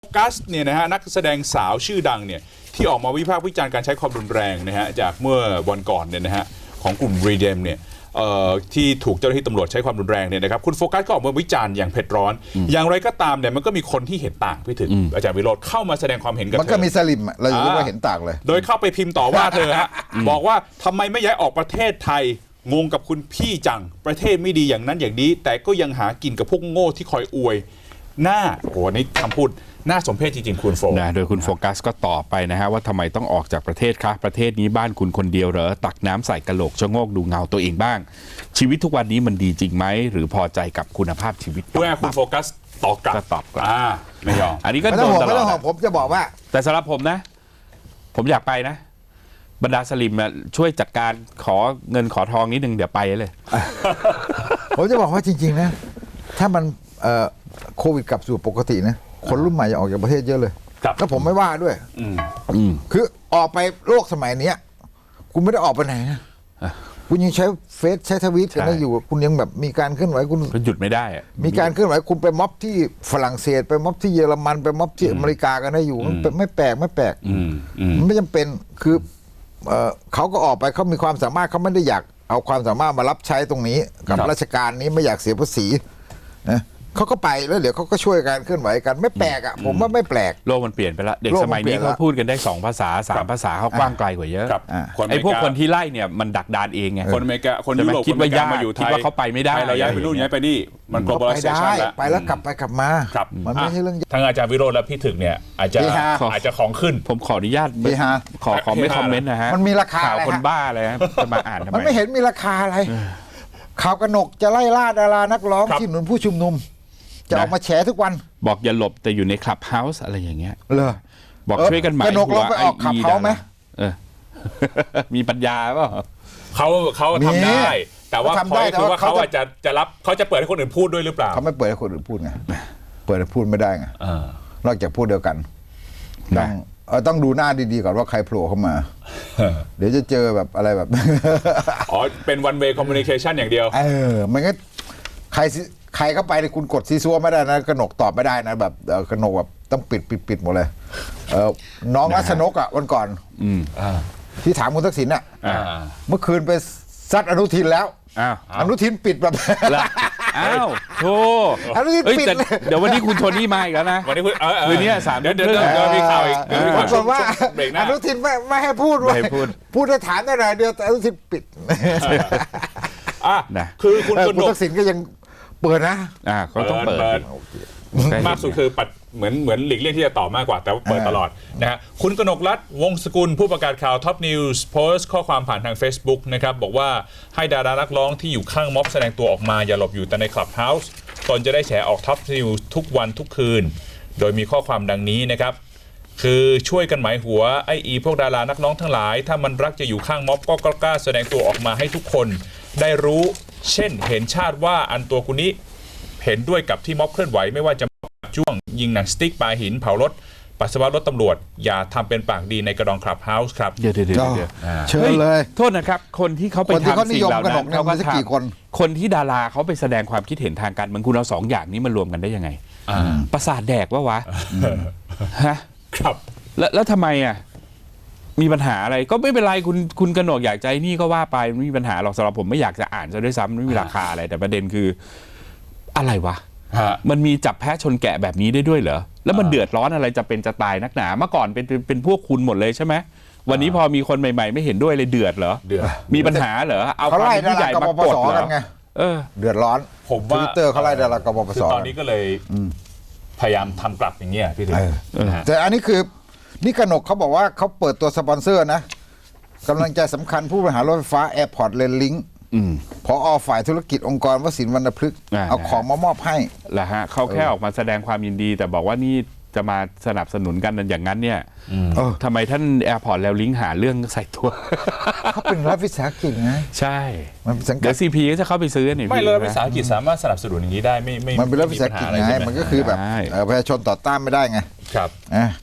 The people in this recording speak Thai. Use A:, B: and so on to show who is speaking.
A: กัสเนี่ยนะฮะนักแสดงสาวชื่อดังเนี่ยที่ออกมาวิพากษ์วิจารณ์การใช้ความรุนแรงนะฮะจากเมื่อวันก่อนเนี่ยนะฮะของกลุ่มรีเดมเนี่ยที่ถูกเจ้าหน้าที่ตำรวจใช้ความรุนแรงเนี่ยนะครับคุณโฟกัสก็ออกมาวิจารณ์อย่างเผ็ดร้อนอย่างไรก็ตามเนี่ยมันก็มีคนที่เห็นต่างพี่ถึงอาจารย์วิโรจน์เข้ามาแสดงความเห็นกับเธอ
B: มันก็มีสลิมเราอยู่ว่าเห็นต่างเลย
A: โดยเข้าไปพิมพ์ต่อว่าเธอฮะบอกว่าทำไมไม่ย้ายออกประเทศไทยงงกับคุณพี่จังประเทศไม่ดีอย่างนั้นอย่างนี้แต่ก็ยังหากินกับพวกโง่ที่คอยอวยหน้าโอ้นี่คำพูดน่าสมเพชจริงๆคุณโฟ
C: นะโดยคุณโฟกัสก็ตอบไปนะฮะว่าทำไมต้องออกจากประเทศคะประเทศนี้บ้านคุณคนเดียวเหรอตักน้ำใส่กะโหลกชะโงกดูเงาตัวเองบ้างชีวิตทุกวันนี้มันดีจริงไหมหรือพอใจกับคุณภาพชีวิต
A: เมื่อคุณโฟกัสตอบกลับไม่ยอม
C: อันนี้ก็โดนตลอด
B: ผมจะบอกว่า
C: แต่สำหรับผมนะผมอยากไปนะบรรดาสลิมช่วยจัดการขอเงินขอทองนิดนึงเดี๋ยวไปเลย
B: ผมจะบอกว่าจริงๆนะถ้ามันโควิดกลับสู่ปกตินะคนรุ่นใหม่จะออกจากประเทศเยอะเลยแล้วผมไม่ว่าด้วยคือออกไปโลกสมัยนี้คุณไม่ได้ออกไปไหนนะคุณยังใช้เฟซใช้ทวิตกันได้อยู่คุณยังแบบมีการเคลื่อนไหวคุณ
C: หยุดไม่ได้
B: มีการเคลื่อนไหวคุณไปม็อบที่ฝรั่งเศสไปม็อบที่เยอรมันไปม็อบที่อเมริกากันได้อยู่มันไม่แปลกมันไม่จำเป็นคือเขาก็ออกไปเขามีความสามารถเขาไม่ได้อยากเอาความสามารถมารับใช้ตรงนี้กับราชการนี้ไม่อยากเสียภาษีนะเขาก็ไปแล้วเดี๋ยวเขาก็ช่วยกันเคลื่อนไหวกันไม่แปลกอ่ะผมว่าไม่แปลก
C: โลกมันเปลี่ยนไปแล้วเด็กสมัยนี้เขาพูดกันได้2 ภาษา 3 ภาษาเขากว้างไกลกว่าเยอะไอ้พวกคนที่ไล่เนี่ยมันดักดานเองไง
A: คนอเมริกาคนยุโรป
C: คิดว่ายากมาอยู่คิดว่าเขาไปไม่ได้
A: เราย้ายไปนู่นย้ายไปนี่มัน globalization แล้ว
B: ไปแล้วกลับมามันไม่ใช่เรื่อง
A: ทางอาจารย์วิโรจน์และพี่ถึกเนี่ยอาจจะของขึ้น
C: ผมขออนุญาตขอไม่คอมเมนต์นะฮะ
B: มันมีราคา
C: ข่าวคนบ้าอะไรจะมาอ่านทำไม
B: มันไม่เห็นมีราคาอะไรข่าวกนกจะไล่ล่าดารานักร้องที่หนุนผู้ชุมนุมจะออกมาแฉทุกวัน
C: บอกอย่าหลบแต่อยู่ในคลับเฮาส์อะไรอย่างเงี้ย
B: เลย
C: บอกช่วยกันหมาย
B: กนกเราไปออกคลับเฮาส์ไหม
C: มีปัญญาเปล่า
A: เขาทำได้แต่ว่าพอยคือว่าเขาจะรับเขาจะเปิดให้คนอื่นพูดด้วยหรือเปล่า
B: เขาไม่เปิดให้คนอื่นพูดไงเปิดให้พูดไม่ได้ไงนอกจากพูดเดียวกันต้องดูหน้าดีๆก่อนว่าใครโผล่เข้ามาเดี๋ยวจะเจอแบบอะไรแบบ
A: อ๋อเป็น one way communication อย่างเดียว
B: มันก็ใครเข้าไปในคุณกดซีซัวไม่ได้นะกนกตอบไม่ได้นะแบบกนกแบบต้องปิดหมดเลยน้องรัชนกอ่ะวันก่อนที่ถามคุณทักษิณอ่ะเมื่อคืนไปซัดอนุทินแล้วอนุทินปิดแบบ
C: อ้าวโธ่
B: อนุทินปิด
C: เดี๋ยววันนี้คุณโทนี่มาอีกแล้วนะ
A: วันนี้คุณ
C: คืนนี้3 เดือน
A: มีข่าวอีก
B: ปรากฏว่าอนุทินไม่ให้พูดพูดจะถามได้หน่อยเดียวแต่อนุทินปิด
A: คือคุณ
B: ทักษิณก็ยังเปิดนะ
C: เขาต้องเปิด
A: มากสุดคือปัดเหมือนหลีกเลี่ยงที่จะตอบมากกว่าแต่เปิดตลอดนะฮะคุณกนกรัตน์วงศ์สกุลผู้ประกาศข่าวท็อปนิวส์โพสต์ข้อความผ่านทาง Facebook นะครับบอกว่าให้ดารานักร้องที่อยู่ข้างม็อบแสดงตัวออกมาอย่าหลบอยู่แต่ในคลับเฮาส์ตนจะได้แฉออกท็อปนิวส์ทุกวันทุกคืนโดยมีข้อความดังนี้นะครับคือช่วยกันหมายหัวไอ้พวกดารานักร้องทั้งหลายถ้ามันรักจะอยู่ข้างม็อบก็กล้าแสดงตัวออกมาให้ทุกคนได้รู้เช่นเห็นชาติว่าอันตัวคุณนี้เห็นด้วยกับที่ม็อบเคลื่อนไหวไม่ว่าจะช่วงยิงหนังสติ๊กปาหินเผารถปัสสาวะรถตำรวจอย่าทำเป็นปากดีในกระดองคลับเฮาส์ครับ
C: เดี๋ยว
B: เชิญเลย
C: โทษนะครับคนที่เขาไปทำสิ่งเหล่านั้นเขาก็ทำคนที่ดาราเขาไปแสดงความคิดเห็นทางการเมืองคุณเอา2 อย่างนี้มารวมกันได้ยังไงประสาทแดกวะฮะ
A: ครับ
C: แล้วทำไมมีปัญหาอะไรก็ไม่เป็นไรคุณกนกอยากใจนี่ก็ว่าไปไม่มีปัญหาหรอกสำหรับผมไม่อยากจะอ่านซะด้วยซ้ำไม่มีราคาอะไรแต่ประเด็นคืออะไรวะมันมีจับแพะชนแกะแบบนี้ได้ด้วยเหรอแล้วมันเดือดร้อนอะไรจะเป็นจะตายนักหนาเมื่อก่อนเป็นพวกคุณหมดเลยใช่ไหมวันนี้พอมีคนใหม่ๆไม่เห็นด้วยเลยเดือดเหรอมีปัญหาเหรอเอาความผู้ใหญ่มากดเหรอ
B: เดือดร้อน
A: ผมว่า
B: Twitter เขาไล่ดารากบปส.
A: ตอนนี้ก็เลยพยายามทำกลับอย่างเงี้ยพี่ถึง
B: แต่อันนี้คือนี่กนกเขาบอกว่าเขาเปิดตัวสปอนเซอร์นะกำลังใจสำคัญผู้บริหารรถไฟฟ้า Airport Rail Linkผอ.ฝ่ายธุรกิจองค์กรวสินทร์วรรณพฤกษ์เอาของมามอบให้
C: แหละฮะเขาแค่ออกมาแสดงความยินดีแต่บอกว่านี่จะมาสนับสนุนกันอย่างนั้นเนี่ยทำไมท่านแอร์พอร์ตแล้วลิงก์หาเรื่องใส่ตัว
B: เขาเป็นรัฐวิสาหกิจไง
C: ใช่เดี๋ยวซีพีก็จะเข้าไปซื้อนี่
A: ไม่เลยรัฐวิสาหกิจสามารถสนับสนุนอย่างนี้ได้ไม่
B: มันเป็นรัฐวิสาหกิจไงมันก็คือแบบประชาชนต่อต้านไม่ได้ไง
A: ครับ